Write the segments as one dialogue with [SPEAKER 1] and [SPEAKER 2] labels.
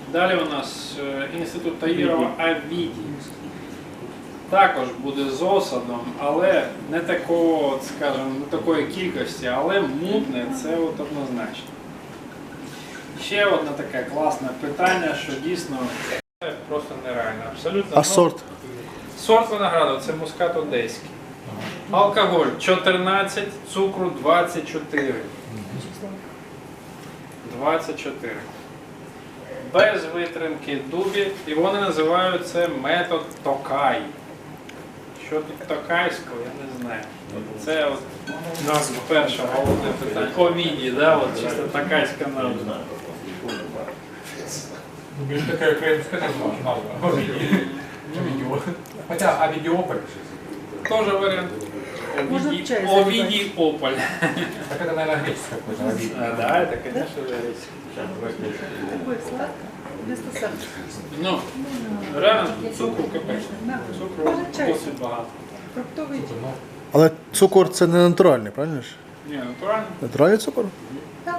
[SPEAKER 1] Далі у нас інститут Таїрова Овідій. Також буде з осадом, але не такого, скажімо, не такої кількості, але мутне це от однозначно. Ще одне таке класне питання, що дійсно просто нереально. Абсолютно.
[SPEAKER 2] А сорт?
[SPEAKER 1] Сорт винограду це мускат одеський. Алкоголь 14, цукру 24. 24. Без витримки дубі. І вони називають це метод Токай. Що тут токайського, я не знаю. Це от назва перша головне питання. Овідій, да? От чисто токайська назва.
[SPEAKER 3] Більш така українська назва. Хоча Овідіополь.
[SPEAKER 1] Тоже вариант. Овидий Ополь.
[SPEAKER 3] Так это, наверное, греческое какое-то.
[SPEAKER 1] Да, это, конечно, греческое.
[SPEAKER 4] Такой сладкий, вместо сахара.
[SPEAKER 1] Ну, реально цукру капець. Цукру досить багато.
[SPEAKER 4] Фруктовий
[SPEAKER 2] Але цукор це не натуральний, правильно ж?
[SPEAKER 1] Ні, натурально.
[SPEAKER 2] Натуральний цукор?
[SPEAKER 4] так.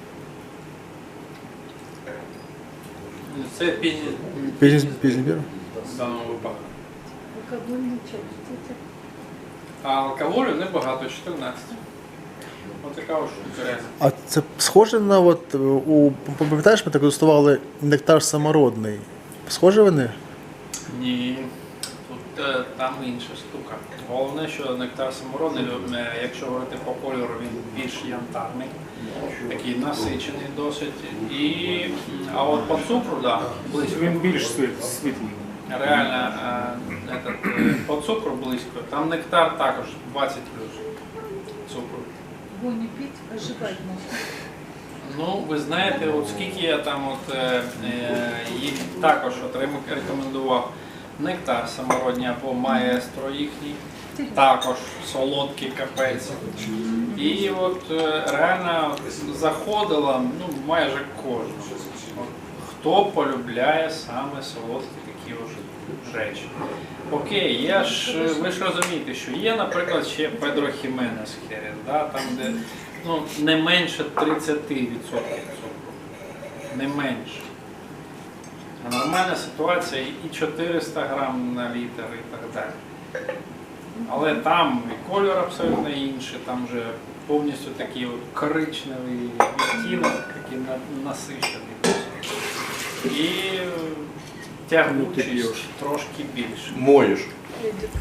[SPEAKER 1] Це пізній
[SPEAKER 2] Пізній бір?
[SPEAKER 1] в даному випадку.
[SPEAKER 4] Алкогольний чай.
[SPEAKER 1] А алкоголю небагато, 14. Ось така ось штука реально.
[SPEAKER 2] А це схоже на от пам'ятаєш, ми так дегустували нектар самородний. Схоже вони?
[SPEAKER 1] Ні, тут там інша штука. Головне, що нектар самородний, якщо говорити по кольору, він більш янтарний, такий насичений досить. А от по цукру, да, близько.
[SPEAKER 5] Він більш світлий.
[SPEAKER 1] Реально, по цукру близько. Там нектар також 20 плюс цукру.
[SPEAKER 4] Его не пить, а жевать можно.
[SPEAKER 1] Ну, ви знаєте, от скільки я там їх також рекомендував нектар самородній або маестро їхній, також солодкий капець. І от реально заходила майже кожен. Хто полюбляє саме солодкі такі ось речі. Окей, ви ж розумієте, що є, наприклад, ще Педро Хіменес Херес, да, там де не менше 30% цукру. Не менше. А нормальна ситуація і 400 грам на літр і так далі. Але там і кольор абсолютно інший, там вже повністю такий от коричневий відтінок, такий насичений. І тягнучість трошки більше.
[SPEAKER 5] Моєш.
[SPEAKER 4] Эдик.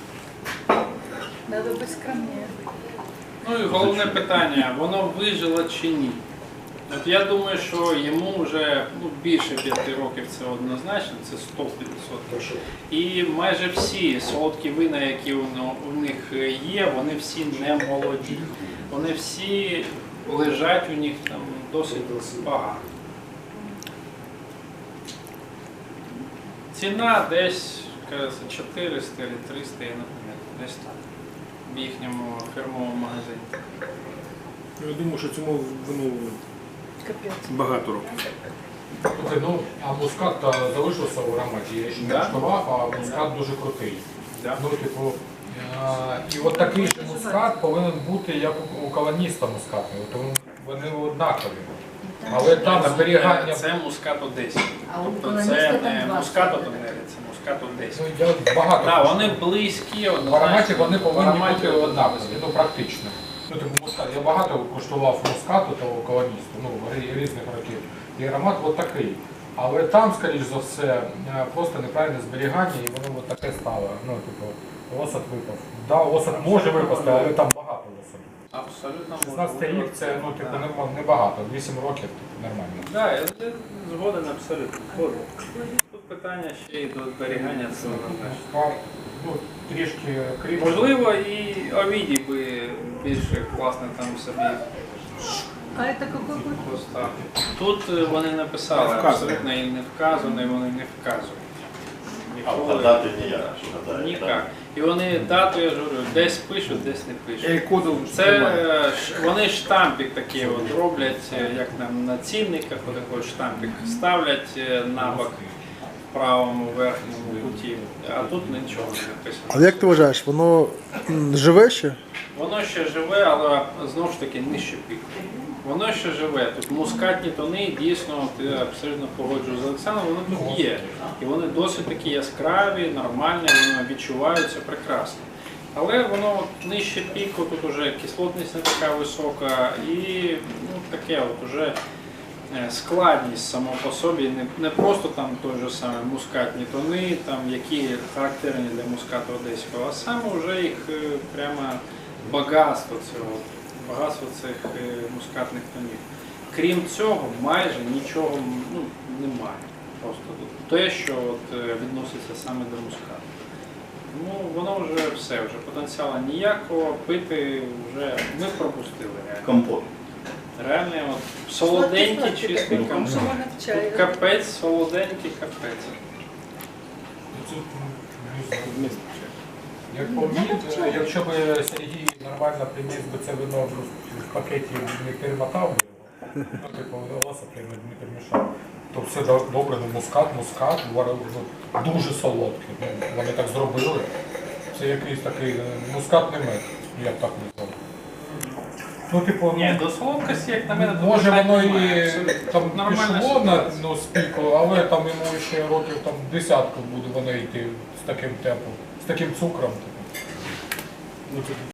[SPEAKER 4] Надо быть скромнее.
[SPEAKER 1] Ну і головне питання, воно вижило чи ні? От я думаю, що йому вже більше 5 років це однозначно, це 100%. І майже всі солодкі вина, які у них є, вони всі не молоді. Вони всі лежать у них там досить багато. Ціна десь, кажеться, 400 або 300, я не пам'ятаю, десь так, в їхньому фірмовому магазині.
[SPEAKER 5] Я думаю, що цьому вину
[SPEAKER 4] Капец.
[SPEAKER 5] багато років.
[SPEAKER 3] Слухай, а мускат залишився в ароматі. Я ще не куштував, а мускат дуже крутий.
[SPEAKER 1] Да.
[SPEAKER 3] І от такий же мускат повинен бути, як у колоніста мускатний. Тому вони однакові. Але там зберігання...
[SPEAKER 1] Це мускат одеський.
[SPEAKER 4] А у
[SPEAKER 1] Тобто
[SPEAKER 4] колоніста
[SPEAKER 1] це
[SPEAKER 4] там
[SPEAKER 1] не
[SPEAKER 4] два
[SPEAKER 1] мускат
[SPEAKER 4] сорти.
[SPEAKER 1] одеський, це мускат одеський.
[SPEAKER 3] Я багато.
[SPEAKER 1] Так, вони близькі,
[SPEAKER 3] В ароматі вони повинні
[SPEAKER 1] ароматі
[SPEAKER 3] бути однакові, практично. Мускат. Я багато куштував мускату того колоністу, різних років. І аромат от такий. Але там, скоріш за все, просто неправильне зберігання і воно от таке стало. Осад випав. Да, осад може випасти, але там багато осаду.
[SPEAKER 1] Абсолютно
[SPEAKER 3] 16 рік це небагато, 8 років нормально.
[SPEAKER 1] Так, я згоден абсолютно. Тут питання ще й до зберігання цього.
[SPEAKER 3] Трішки крім.
[SPEAKER 1] Можливо, і Овідій би більше класно там собі
[SPEAKER 4] А это какой год?
[SPEAKER 1] поставив. Тут вони написали, абсолютно і не вказано, і вони не вказують.
[SPEAKER 6] А дати ніяк.
[SPEAKER 1] Ніяк. І вони дату, я ж говорю, десь пишуть, десь не пишуть.
[SPEAKER 5] Коду
[SPEAKER 1] Це вони штампик такий от роблять, як на цінниках, отакий штампик ставлять на бок в правому верхньому куті, а тут нічого не написано.
[SPEAKER 2] Але як ти вважаєш, воно живе ще?
[SPEAKER 1] Воно ще живе, але знову ж таки нижче піку. Воно ще живе. Тут мускатні тони, дійсно, ти абсолютно погоджуюсь з Олександром, вони тут є. І вони досить такі яскраві, нормальні, вони відчуваються прекрасно. Але воно от нижче піку, тут вже кислотність не така висока і таке от уже складність само по собі, не просто там той же самий мускатні тони, там, які характерні для мускату одеського, а саме вже їх прямо багатство цих мускатних тонів. Крім цього, майже нічого немає. Просто те, що от, відноситься саме до мускату. Воно вже все, вже потенціалу ніякого, пити вже ми пропустили реально.
[SPEAKER 6] Компот.
[SPEAKER 1] Реально от, солоденький, чистий компот.
[SPEAKER 4] Можно в чай.
[SPEAKER 1] Капець, солоденький капець.
[SPEAKER 3] Як по мені, якщо б Сергій нормально приніс би це вино в пакеті, не перемотав би його, типу голоса не перемішав, то все добре, мускат, дуже солодкий. Вони так зробили. Це якийсь такий мускатний мед, я б так назвав. Типу,
[SPEAKER 1] Ні, до солодкості, як на мене, то
[SPEAKER 3] може
[SPEAKER 1] бажання
[SPEAKER 3] воно
[SPEAKER 1] немає.
[SPEAKER 3] і
[SPEAKER 1] Абсолютно.
[SPEAKER 3] там
[SPEAKER 1] Тут нормальна
[SPEAKER 3] пішло на
[SPEAKER 1] ситуація.
[SPEAKER 3] спіку, але там йому ще років там десятку буде воно йти з таким темпом, з таким цукром. Типу.